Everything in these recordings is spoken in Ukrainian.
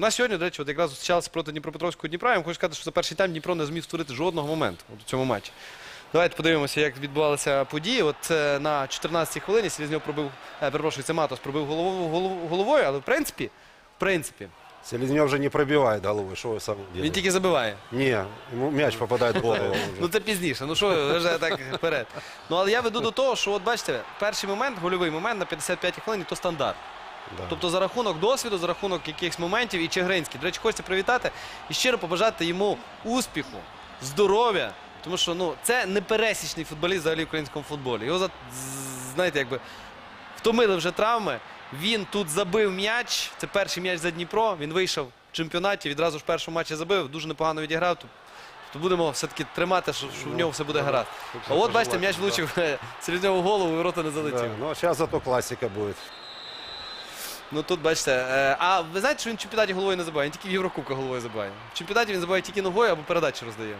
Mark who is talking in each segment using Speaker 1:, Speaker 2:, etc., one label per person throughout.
Speaker 1: У нас сьогодні, до речі, от якраз зустрічалися проти Дніпропетровського Дніпра. Я вам хочу сказати, що за перший тайм Дніпро не зміг створити жодного моменту у цьому матчі. Давайте подивимося, як відбувалися події. От на 14-й хвилині Селезньов пробив, перепрошую, це Матос пробив головою, але в принципі.
Speaker 2: Селезнев же не пробивает головой, что вы сам
Speaker 1: Він
Speaker 2: делаете?
Speaker 1: тільки забиває.
Speaker 2: Не, ему мяч попадает в голову.
Speaker 1: Ну це пізніше, ну що, вже так вперед. Ну але я веду до того, що от бачите, перший момент, гольовий момент на 55-й хвилині, то стандарт.
Speaker 2: Да.
Speaker 1: Тобто за рахунок досвіду, за рахунок якихось моментів і Чигиринський. До речі, хочеться привітати і щиро побажати йому успіху, здоров'я. Тому що ну, це непересічний футболіст взагалі в українському футболі. Його, знаєте, якби втомили вже травми. Він тут забив м'яч, це перший м'яч за Дніпро. Він вийшов в чемпіонаті, відразу ж в першому матчі забив, дуже непогано відіграв. То будемо все-таки тримати, що в нього все буде гаразд. А от бачите, м'яч влучив Селезньову в голову і ворота не залетів.
Speaker 2: Да, ну, сейчас зато классика будет.
Speaker 1: Ну тут бачите, а ви знаєте, що він в чемпіонаті головою не забиває, він тільки в Єврокубках головою забиває. В чемпіонаті він забиває тільки ногою або передачі роздає.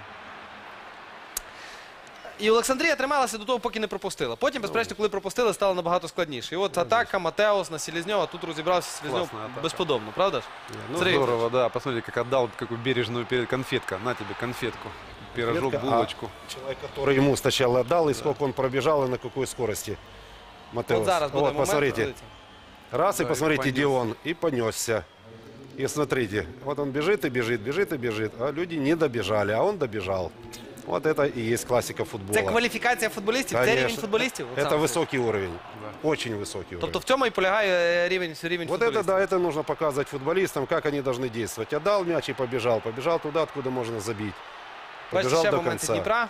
Speaker 1: І Олександрія трималася до того, поки не пропустила. Потім, безперечно, коли пропустили, стало набагато складніше. І от атака, Матеус на Селезньова, тут розібрався Селезньов безподобно, правда ж?
Speaker 3: Ну здорово, да. Посмотрите, как отдал какую бережную конфетку. На тебе конфетку, пирожок, булочку.
Speaker 2: Человек, который ему сначала отдал, и сколько он пробежал, и на какой скорости. Матеус.
Speaker 1: От зараз буде
Speaker 2: Вот,
Speaker 1: момент.
Speaker 2: посмотрите. Раз, и
Speaker 3: Да,
Speaker 2: посмотрите,
Speaker 3: и
Speaker 2: где он. И понесся. И смотрите, вот он бежит и бежит, бежит и бежит. А люди не добежали, а он добежал. Вот это и есть классика футбола.
Speaker 1: Це кваліфікація футболістів, це
Speaker 2: Конечно.
Speaker 1: рівень футболістів?
Speaker 2: Это высокий уровень. Очень высокий уровень.
Speaker 1: Тобто в цьому і полягає рівень
Speaker 2: Вот
Speaker 1: футболістів.
Speaker 2: это, да, это нужно показывать футболистам, как они должны действовать. Отдал мяч и побежал. Побежал туда, откуда можно забить.
Speaker 1: Бачите,
Speaker 2: Побежал
Speaker 1: ще
Speaker 2: до
Speaker 1: моменти
Speaker 2: конца.
Speaker 1: Дніпра.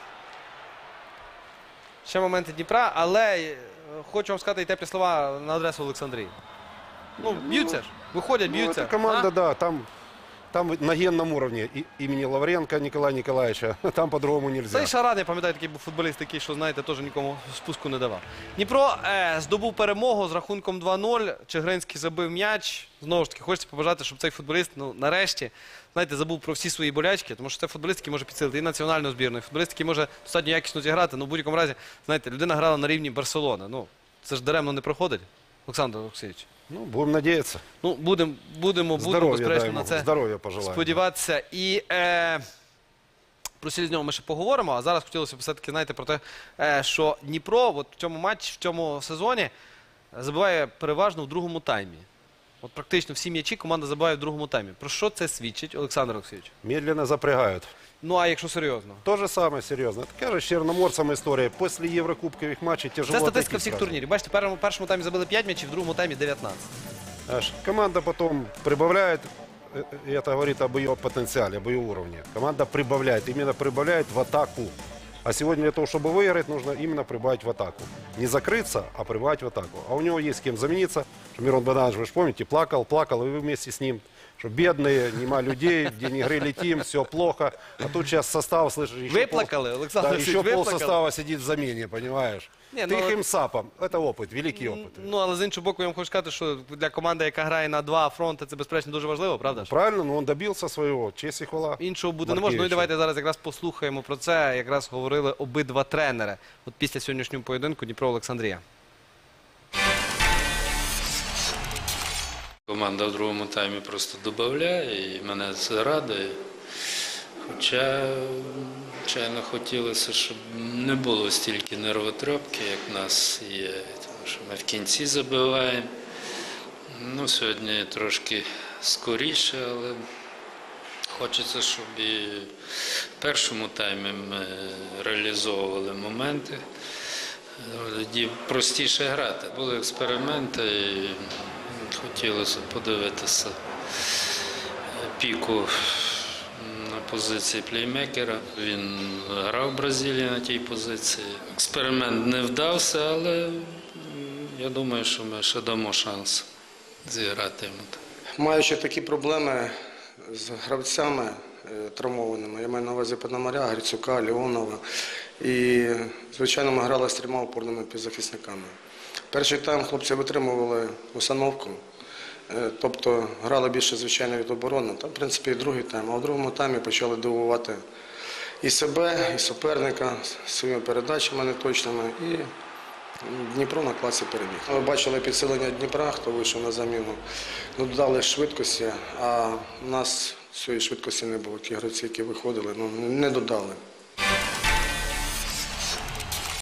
Speaker 1: Ще моменти Дніпра, але хочу вам сказати і теплі слова на адресу Олександрії. Ну, б'ються ж, виходять,
Speaker 2: Ну,
Speaker 1: б'ються.
Speaker 2: это команда,
Speaker 1: А?
Speaker 2: да, там на генном уровне имени Лавренко Николая Николаевича. Там по-другому нельзя.
Speaker 1: Цей Шаран, я пам'ятаю, такий був футболіст, такий, що, знаєте, теж нікому спуску не давав. Дніпро здобув перемогу з рахунком 2-0. Чигиринський забив м'яч. Знову ж таки, хочеться побажати, щоб цей футболіст, ну, нарешті, знаєте, забув про всі свої болячки, тому що це футболіст, який може підсилити і національну збірну, і футболіст, який може достатньо якісно зіграти. Ну, в будь-якому разі, знаєте, людина грала на рівні Барселони. Ну, це ж даремно не проходить, Олександр Олексійович.
Speaker 2: Ну, будем надеяться.
Speaker 1: Ну, будемо,
Speaker 2: Здоровья,
Speaker 1: безперечно,
Speaker 2: дай
Speaker 1: на
Speaker 2: ему.
Speaker 1: це
Speaker 2: Здоровья пожелаем.
Speaker 1: сподіватися. І про Селезньова ми ще поговоримо, а зараз хотілося б все-таки, знаєте, про те, що Дніпро от в цьому матчі, в цьому сезоні забиває переважно в другому таймі. От практично всі м'ячі команда забиває в другому таймі. Про що це свідчить, Олександр Олексійович?
Speaker 2: Медленно запрягают.
Speaker 1: Ну, а якщо серйозно?
Speaker 2: То же самое, серьезно. Такая же с Черноморцем история. После еврокубковых матчей тяжело.
Speaker 1: Це статистика
Speaker 2: отойти
Speaker 1: всіх
Speaker 2: сразу.
Speaker 1: турнірів. Бачите, в першому таймі забили 5 м'ячів, в другому таймі 19.
Speaker 2: Аж команда потом прибавляет, и это говорит об ее потенциале, об ее уровне. Команда прибавляет, именно прибавляет в атаку. А сегодня для того, чтобы выиграть, нужно именно прибавить в атаку. Не закрыться, а прибавить в атаку. А у него есть с кем замениться. Мирон Богданович, вы же помните, плакал, и вы вместе с ним. Что бедные, нема людей, день игры летим, все плохо. А тут сейчас состав, слышишь, еще,
Speaker 1: Виплакали, Олександр
Speaker 2: да,
Speaker 1: Олексійович,
Speaker 2: еще
Speaker 1: виплакали.
Speaker 2: полсостава сидит в замене, понимаешь?
Speaker 1: Не, ну,
Speaker 2: Тихим сапом. Это опыт, великий опыт.
Speaker 1: Ну, але з іншого боку, я вам хочу сказати, що для команди, яка грає на два фронти, це, безперечно, дуже важливо, правда ж?
Speaker 2: Правильно, но он добился своего. Честь и хвала.
Speaker 1: Іншого бути не може. Ну і
Speaker 2: Маркевичу.
Speaker 1: давайте зараз якраз послухаємо про це. Якраз говорили обидва тренери. От після сьогоднішнього поєдинку Дніпро Олександрія.
Speaker 4: Команда в другому таймі просто додає, і мене це радує. Хоча, звичайно, хотілося, щоб не було стільки нервотрепки, як в нас є. Тому що ми в кінці забиваємо. Ну, сьогодні трошки скоріше, але хочеться, щоб і в першому таймі ми реалізовували моменти. Тоді простіше грати. Були експерименти, і хотілося подивитися Піку на позиції плеймекера. Він грав в Бразилії на тій позиції. Експеримент не вдався, але я думаю, що ми ще дамо шанс зіграти йому.
Speaker 5: Маючи такі проблеми з гравцями травмованими, я маю на увазі Пономаря, Грицюка, Леонова, і, звичайно, ми грали з 3 опорними півзахисниками. Перший тайм хлопці витримували установку, тобто грали більше, звичайно, від оборони, та, в принципі, і другий тайм. А в другому таймі почали дивувати і себе, і суперника своїми передачами неточними. І Дніпро на класі переміг. Ми бачили підсилення Дніпра, хто вийшов на заміну. Ну, додали швидкості, а у нас цієї швидкості не було. Ті гравці, які виходили, не додали.